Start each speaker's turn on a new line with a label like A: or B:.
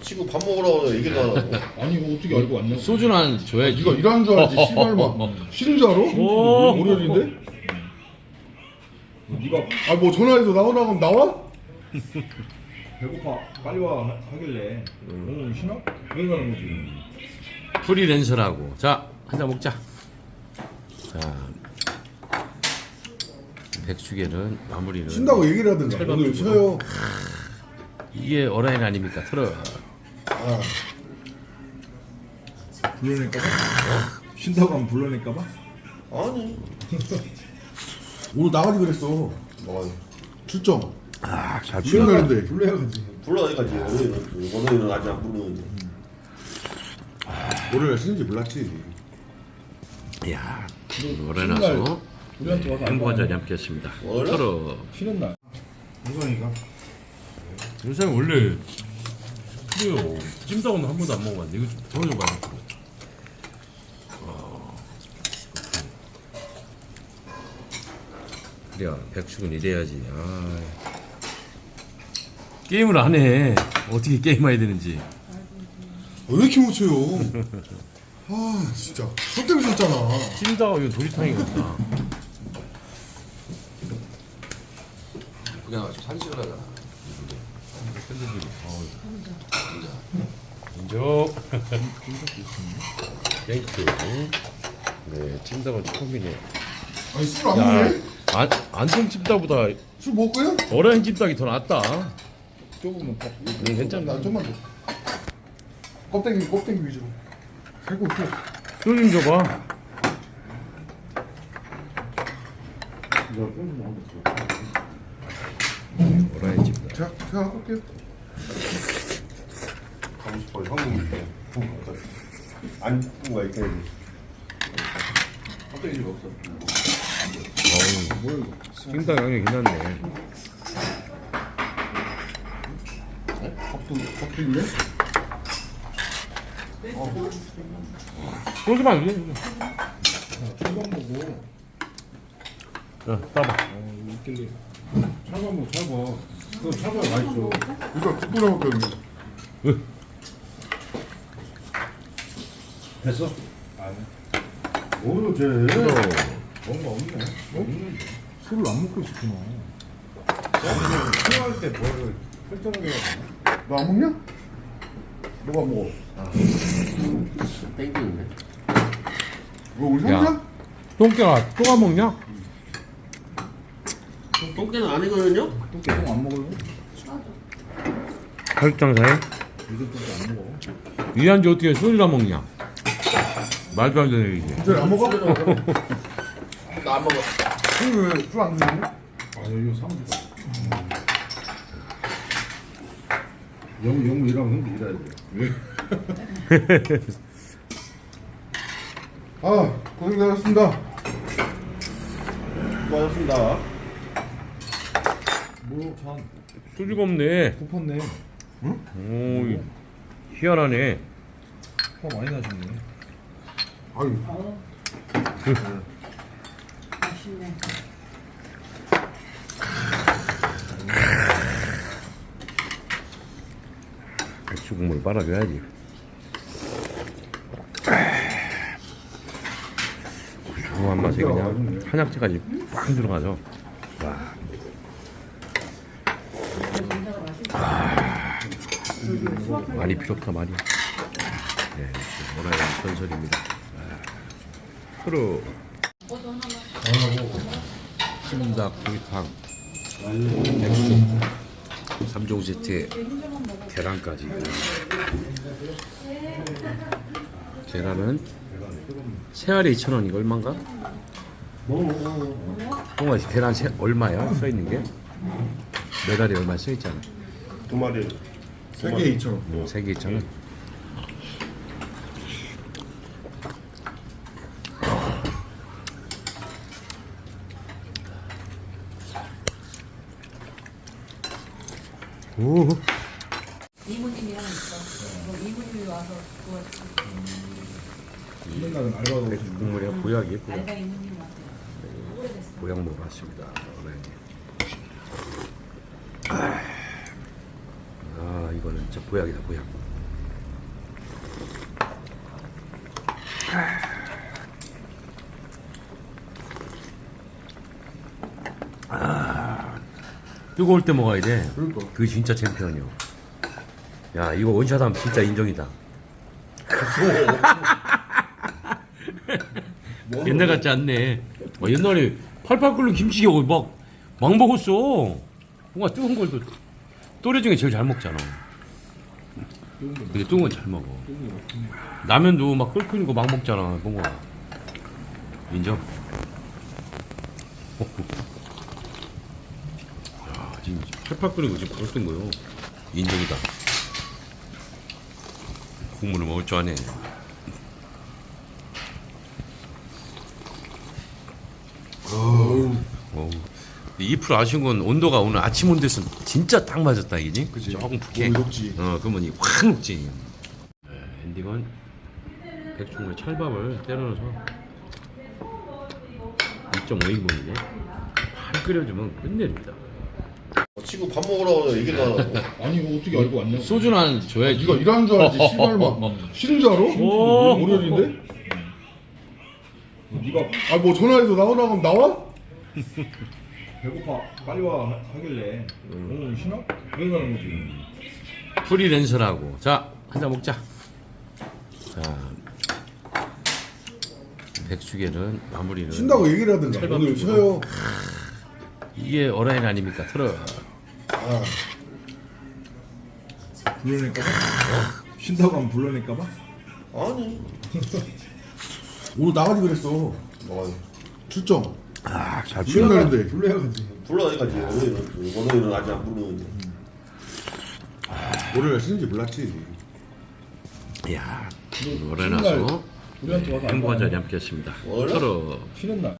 A: 치고 밥 먹으라고 얘기도 안 하고.
B: 아니 이거 어떻게 알고 왔냐?
C: 소주는 한 줘야지.
B: 네가 일하는 줄 알지 씨발마. 쉬는 줄 알아? 월요일인데?
D: 네가
B: 아 뭐 전화해서 나오라고 하면 나와?
D: 배고파 빨리 와 하길래 쉬나? 왜 가는 거지?
C: 프리랜서라고. 자, 한 잔 먹자. 자, 백숙에는 마무리는
B: 쉰다고 얘기를 하든가. 오늘 쉬어요.
C: 이게 어라인 아닙니까? 틀어.
B: 아,
D: 불러낼까봐? 쉰다고 하면 불러낼까봐?
A: 아니.
B: 오늘 나가지 그랬어.
A: 뭐
B: 출정.
C: 아, 잘
B: 쉬는
C: 풀려.
B: 날인데.
D: 불러야지.
A: 불러야지. 월요일은 아직 안 부르는데.
B: 월요일 쉬는지 몰랐지.
C: 야, 어라인아서
D: 우리한테 와서
C: 행복한 자리 함께했습니다.
A: 원래?
C: 틀어.
D: 쉬는 날. 우선이가
C: 요새 원래 그래요. 찜닭은 한 번도 안 먹어봤는데 이거 좀 맛있고. 그래, 백숙은 이래야지. 아. 게임을 안 해. 어떻게 게임해야 되는지.
B: 왜 이렇게 못 쳐요? 아 진짜. 너 때문에 졌잖아.
C: 찜닭 이거 도리탕이구나.
A: 그냥 산식을 하잖아.
C: 인정. 땡큐. 네, 찜닭은 처음이네.
B: 아니 술 안
C: 야,
B: 먹네?
C: 안성 찜닭보다
B: 술 먹을 거야?
C: 어라인 찜닭이 더 낫다.
D: 조금은 딱
C: 괜찮나?
B: 나 좀만 줘. 껍데기 위주로. 살고 있고.
C: 술좀 줘봐. 어라인 찜닭.
B: 자, 제가 할게요.
A: 가고 싶어요. 한국인데. 안 부은 거야, 이렇게. 껍데기 좀 없어.
C: 찜닭 양이 괜찮네.
B: 껍데기네?
C: 소주만 줘.
D: 철밥 먹고
C: 자, 따봐.
D: 있길래 철밥 먹고 철밥 그거 철밥 맛있어.
B: 이거 국부라 먹거든요.
D: 됐어? 아니
B: 오늘 쟤
D: 뭔가 없네.
B: 술을 안 먹고 있었구나.
D: 필요할 때 뭐를 설정을 해야 되나?
B: 너 안 먹냐? 뭐가 안 먹어?
A: 땡기는데.
B: 뭐 우리
C: 야.
B: 형이야?
C: 똥개가 또 안 먹냐?
A: 똥개는 아니거든요?
D: 또 계속 안 먹어요?
C: 가육장사에?
D: 이것도 안 먹어.
C: 이한지 어떻게 소주를 안 먹냐? 말도 안 되는 얘기지.
B: 쟤안 먹어?
A: 나 안 먹어.
B: 술안 먹냐?
D: 아 이거 사무실. 영무 일하면 형도 일해야 돼. 왜?
B: 아 고생하셨습니다.
A: 수고하셨습니다.
D: 뭐 참.
C: 소주가 없네.
D: kup었네.
C: 오, 희한하네.
D: 화 많이 나셨네.
B: 아유
E: 맛있네.
C: 백수 국물 빨아줘야지. 고소한 맛이 그냥 한약재까지 꽉 들어가죠. 와. 많이 필요 없다 말이야. 네, 뭐라야 전설입니다. 프로 찜닭 구이탕 백숙 3종 세트에 계란까지. 계란은 세알에 2,000원. 이거 얼마인가? 동아 씨 계란 얼마야? 써있는 게? 메달이 얼마 써있잖아.
A: 두 마리.
B: 세개 2,000원.
C: 3개 2,000원. 오.
E: 이모님이랑 있어. 뭐 이모님이 와서 구웠지.
D: 힘든 날은 알바도
C: 백숙 국물이야 보약이에요. 보약.
E: 알바 이모님 왔대요. 오래됐어.
C: 보약 먹어봤습니다. 아, 이거는 진짜 보약이다 보약. 뜨거울 때 먹어야 돼.
B: 그러니까.
C: 그게 진짜 챔피언이요. 야, 이거 원샷하면 진짜 인정이다. 옛날 같지 않네. 옛날에 팔팔 끓는 김치게 막 먹었어. 뭔가 뜨거운 걸 또래 중에 제일 잘 먹잖아. 근데 뜨거운 건 잘 먹어. 라면도 막 끓는 거 막 먹잖아. 뭔가 인정. 야, 지금 팔팔 끓는 거 지금 바로 뜬 거요. 인정이다. 국물을 먹을 줄 아네. 어우. 2% 아쉬운 건 온도가 오늘 아침 온도였으면 진짜 딱 맞았다 이지?
B: 그치.
C: 조금 푹해.
B: 몸이 녹지.
C: 그러면 확 녹지. 엔딩은 백종원의 찰밥을 때려 넣어서 2.5인분인데 한 끓여주면 끝내줍니다.
A: 친구 밥 먹으라고 얘기도 안 하고.
D: 아니 이거 어떻게 알고 왔냐?
C: 소주는 한 줘야지.
B: 네가 일하는 줄 알지. 씨발만. 쉬는 줄 알아?
C: 오.
B: 월요일인데?
D: 네가
B: 아 뭐 전화해서 나오라고 하면 나와?
D: 배고파 빨리 와 하길래 쉬나? 그러는 거지.
C: 프리랜서라고. 자, 한 잔 먹자. 자, 백숙에는 마무리는
B: 쉰다고 얘기를 하든가.
C: 찰밥
B: 오늘
C: 주고.
B: 쉬어요.
C: 이게 어라인 아닙니까? 틀어.
B: 아,
D: 불러낼까봐? 쉰다고 하면 불러낼까봐?
A: 아니.
B: 오늘 나가지 그랬어.
A: 뭐
B: 출정.
C: 아, 잘
B: 쉬는
C: 풀려.
B: 날인데.
D: 불러야지.
A: 불러야지. 오늘은 아직 안 부르는데.
B: 월요일 쉬는지 몰랐지.
C: 이야, 어라인 와서
D: 우리한테 와서
C: 행복한
D: 안
C: 자리 함께했습니다.
A: 원래?
C: 틀어.
D: 쉬는 날.